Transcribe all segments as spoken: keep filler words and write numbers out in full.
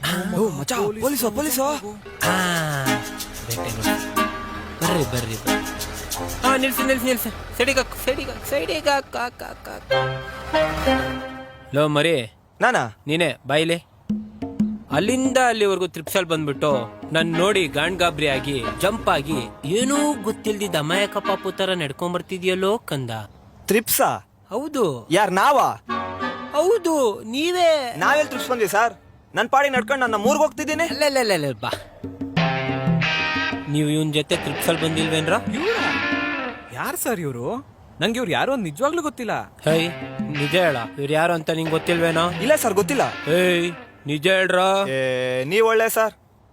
ಮಚ್ಚ police police ಹಾ ಬರ್ರಿ ಬರ್ರಿ ಬರ್ರಿ ಹಾ ನಿಲ್ಸಿ ನಿಲ್ಸಿ ನಿಲ್ಸಿ ಸೈಡಿಗೆ ಹಾಕು ಸೈಡಿಗೆ ಹಾಕು ಸೈಡಿಗೆ ಹಾಕು ಹಾಕು ಹಾಕು ಹಾಕು ಲೋ ಮರಿ ನಾನಾ ನೀನೇ ಬಾಯಿಲೆ ಅಲ್ಲಿಂದ ಅಲ್ಲಿವರೆಗೂ ತ್ರಿಪ್ಸಲ್ ಬಂದ್ಬಿಟ್ಟು ನನ್ ನೋಡಿ ಗಾಂಡ್ ಗಾಬ್ರಿ ಆಗಿ ಜಂಪ್ ಆಗಿ ಏನೂ ಗೊತ್ತಿಲ್ದಿದ್ದ ಅಮಾಯಕ ಪಾಪು ತರ ನಡ್ಕೊಂಬರ್ತಿದ್ಯಲ್ಲೋ ಕಂದ. ತ್ರಿಪ್ಸಾ? ಹೌದು. ಯಾರ್ ನಾವಾ? ಹೌದು ನೀವೇ. ನಾವೆಲ್ ತ್ರಿಪ್ಸ್ ಬಂದ್ವಿ ಸರ್? ನನ್ ಪಾಡಿ ನಡ್ಕೊಂಡು ನನ್ನ ಮೂರ್ಗ್ ಹೋಗ್ತಿದ್ದೀನಿ. ಅಲ್ಲ ಬಾ ನೀವು ಇವನ್ ಜೊತೆ ತ್ರಿಪ್ಸಲ್ ಬಂದಿಲ್ವೇನ್ರ? ಯಾರು ಸರ್ ಇವರು? ನಂಗೆ ಇವ್ರು ಯಾರು ಅಂತ ನಿಜವಾಗ್ಲೂ ಗೊತ್ತಿಲ್ಲ. ಹೇ ನಿಜ ಹೇಳ, ಇವ್ರು ಯಾರು ಅಂತ ನಿಂಗೆ ಗೊತ್ತಿಲ್ವೇನೋ? ಇಲ್ಲ ಸರ್ ಗೊತ್ತಿಲ್ಲ. ಏಯ್ ನಿಜ ಹೇಳ್ರ. ನೀವ್ ಒಳ್ಳೆ ಸರ್.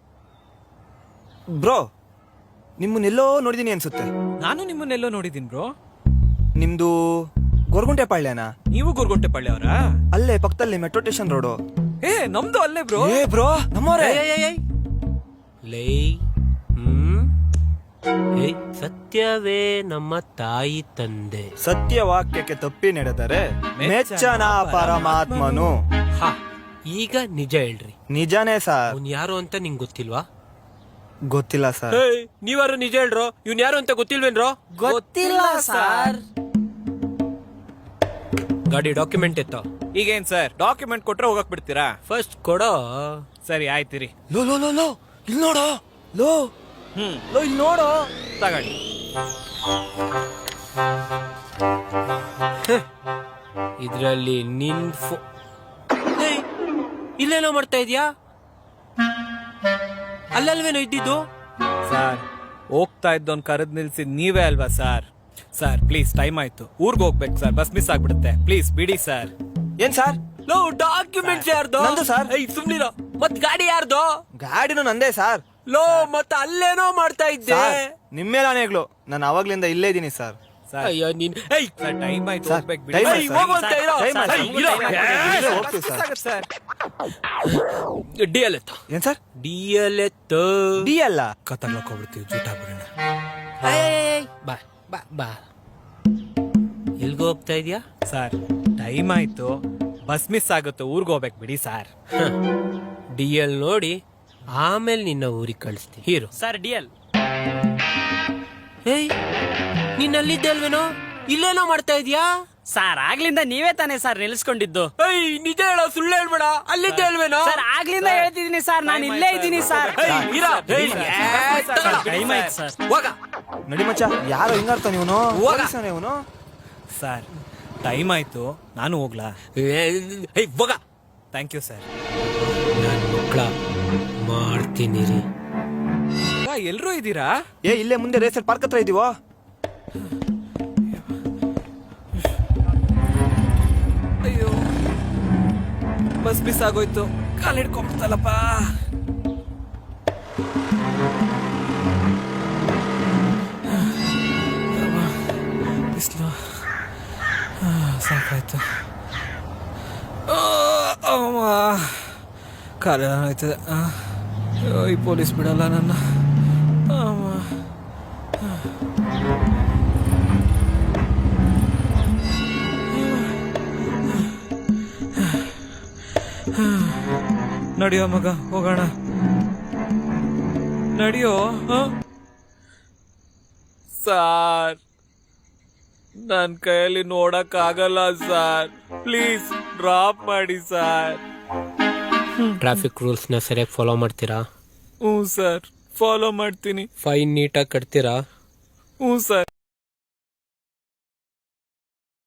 ಬ್ರೋ ನಿಮ್ಮನ್ನೆಲ್ಲೋ ನೋಡಿದೀನಿ ಅನ್ಸುತ್ತೆ. ನಾನು ನಿಮ್ಮನ್ನೆಲ್ಲೋ ನೋಡಿದೀನಿ ಬ್ರೋ. ನಿಮ್ದು ಗೊರಗುಂಟೆ ಪಾಳ್ಯನಾ? ನೀವು ಗೊರಗುಂಟೆ ಪಾಳ್ಯ ಅವರಾ? ಅಲ್ಲೇ ಪಕ್ಕದಲ್ಲಿ ಮೆಟ್ರೋ ಸ್ಟೇಷನ್ ರೋಡು. ಏ ನಮ್ದು ಅಲ್ಲೇ ಬ್ರೋ. ಏ ಬ್ರೋ ನಮ್ಮೋರೇ. ಲೇ ಹ್ಮ್ ಏಯ್ ಸತ್ಯವೇ ನಮ್ಮ ತಾಯಿ ತಂದೆ. ಸತ್ಯ ವಾಕ್ಯಕ್ಕೆ ತಪ್ಪಿ ನಡೆದರೆ ಮೆಚ್ಚನ ಪರಮಾತ್ಮನು. ಹಾ ಈಗ ನಿಜ ಹೇಳ್ರಿ. ನಿಜಾನೇ ಸರ್. ಅವ್ನ್ ಯಾರು ಅಂತ ನಿಂಗೆ ಗೊತ್ತಿಲ್ವಾ? ಗೊತ್ತಿಲ್ಲ ಸರ್. ನೀವಾರು ನಿಜ ಹೇಳ್ರೋ. ಇವ್ನ್ ಯಾರು ಅಂತ ಗೊತ್ತಿಲ್ವೇನ್ರೋ? ಗೊತ್ತಿಲ್ಲ ಸರ್. ಗಾಡಿ ಡಾಕ್ಯುಮೆಂಟ್ ಇತ್ತು. ಈಗೇನ್ ಸರ್ ಡಾಕ್ಯುಮೆಂಟ್ ಕೊಟ್ರೆ ಹೋಗಕ್ ಬಿಡ್ತೀರಾ? ಫಸ್ಟ್ ಕೊಡೋ. ಸರಿ ಆಯ್ತಿರಿ. ಲೋ ಲೋ ಲೋ ಲೋ ಇಲ್ಲಿ ನೋಡೋ. ಲೋ ಹ್ಮ್ ಲೋ ಇಲ್ಲಿ ನೋಡೋ. ತಗೊಳ್ಳಿ. ಇದ್ರಲ್ಲಿ ನಿನ್ ಫೋ ಇಲ್ಲೇನೋ ಮಾಡ್ತಾ ಇದ್ಯಾ? ಅಲ್ಲಲ್ವೇನೋ ಇದ್ದಿದ್ದು? ಸರ್ ಹೋಗ್ತಾ ಇದ್ದೋನ್ ಕರೆದ್ ನಿಲ್ಸಿ ನೀವೇ ಅಲ್ವಾ ಸರ್? ಸರ್ ಪ್ಲೀಸ್ ಟೈಮ್ ಆಯ್ತು, ಊರ್ಗ್ ಹೋಗ್ಬೇಕು ಸರ್, ಬಸ್ ಮಿಸ್ ಆಗ್ಬಿಡುತ್ತೆ, ಪ್ಲೀಸ್ ಬಿಡಿ ಸರ್. ಏನ್ ಸರ್? ಲೋ ಡಾಕ್ಯುಮೆಂಟ್ಸ್ ಯಾರ್ದು? ನಂದು ಸರ್. ಸುಮ್ನಿರೋ. ಮತ್ ಗಾಡಿ ಯಾರ್ದು? ಗಾಡಿನೂ ನಂದೇ ಸರ್. ಲೋ ಮತ್ತ ಅಲ್ಲೇನೋ ಮಾಡ್ತಾ ಇದ್ದೆ. ನಿಮ್ಮೇಲಾನೇಗ್ಲು ನಾನು ಅವಾಗ್ಲಿಂದ ಇಲ್ಲೇ ಇದೀನಿ ಸರ್. ಅಯ್ಯೋ ನೀನ್ ಸರ್ ಟೈಮ್ ಆಯ್ತು, ಸರ್, ಹೋಗ್ಬೇಕು ಟೈಮ್ ಬಿಡಿ. ಆಯ್ತು, ಹೋಗು ಅಂತ ಇರೋ. ಟೈಮ್ ಆಯ್ತು. ಏಯ್, ಇರೋ. ಇಲ್ಲೇ ಹೋಗ್ತೀವಿ ಸರ್. ಸರ್ ಡಿ ಎಲ್ ಎತ್ತ. ಏನ್ ಸರ್? ಡಿ ಎಲ್ ಎತ್ತ. ಡಿ ಅಲ್ಲ ಕತ್ತರ್ಲಕ್ ಹೋಗ್ಬಿಡ್ತೀವಿ, ಜೂಟ ಬಿಡೋಣ. ಬಾ ಬಾ ಬಾ. ಎಲ್ಗೋ ಹೋಗ್ತಾ ಇದ್ಯಾ? ಸರ್ ಟೈಮ್ ಆಯ್ತು, ಬಸ್ ಮಿಸ್ ಆಗುತ್ತೆ, ಊರ್ಗ್ ಹೋಗ್ಬೇಕು ಬಿಡಿ ಸರ್. ಡಿ ಎಲ್ ನೋಡಿ ಆಮೇಲೆ ನಿನ್ನ ಊರಿಗೆ ಕಳಿಸ್ತೀನಿ. Hero sir D L. ಏಯ್ ನೀನ್ ಅಲ್ಲಿದ್ದೆ ಅಲ್ವೇನೋ? ಇಲ್ಲೇನೋ ಮಾಡ್ತಾ ಇದ್ಯಾ? ಸರ್ ಆಗ್ಲಿಂದ ನೀವೇ ತಾನೇ ಸರ್ ನಿಲ್ಸ್ಕೊಂಡಿದ್ದು? ಏಯ್ ನಿಜ ಹೇಳೋ, ಸುಳ್ಳು ಹೇಳ್ಬೇಡ. ಅಲ್ಲಿದ್ದೆ ಅಲ್ವೇನೋ? ಸರ್ ಆಗ್ಲಿಂದ ಹೇಳ್ತಿದ್ದೀನಿ ಸರ್, ನಾನು ಇಲ್ಲೇ ಇದ್ದೀನಿ ಸರ್. ಟೈಮ್ ಆಯ್ತು ಸರ್. ಹೋಗ ನಡಿ ಮಚ್ಚ. ಯಾರೋ ಹಿಂಗಾರ್ತ ನೀವನು? ಇವನು ಸರ್ ಟೈಮ್ ಆಯ್ತು, ನಾನು ಹೋಗ್ಲಾ? ಏಯ್ ಹೋಗ. Thank you sir. ನಾನು ಮಕ್ಕಳ ಮಾಡ್ತೀನಿ ರೀ. ಎಲ್ರೂ ಇದ್ದೀರಾ? ಏ ಇಲ್ಲೇ ಮುಂದೆ ರೇಸರ್ ಪಾರ್ಕ್ ಹತ್ರ ಇದೀವೋ. ಅಯ್ಯೋ ಬಸ್ ಮಿಸ್ ಆಗೋಯ್ತು, ಕಾಲ್ ಹಿಡ್ಕೊಂಡ್ಬಿಡ್ತಲ್ಲಪ್ಪ. ಬಿಸ್ಲು ಸಾಕಾಯ್ತು. ಕಾಲ ಆಯ್ತದೆ. ಈ ಪೊಲೀಸ್ ಬಿಡಲ್ಲ ನನ್ನ. ನಡಿಯೋ ಮಗ, ಹೋಗೋಣ. ನಡಿಯೋ. ಸಾರ್ ನನ್ ಕೈಯಲ್ಲಿ ನೋಡಕ್ ಆಗಲ್ಲ ಸಾರ್, ಪ್ಲೀಸ್ ಡ್ರಾಪ್ ಮಾಡಿ ಸಾರ್. ಟ್ರಾಫಿಕ್ ರೂಲ್ಸ್ ನ ಸರಿಯಾಗಿ ಫಾಲೋ ಮಾಡ್ತೀರಾ? ಹ್ಞೂ ಸರ್, ಫಾಲೋ ಮಾಡ್ತೀನಿ. ಫೈನ್ ನೀಟಾಗಿ ಕಟ್ತೀರಾ? ಹ್ಞೂ ಸರ್.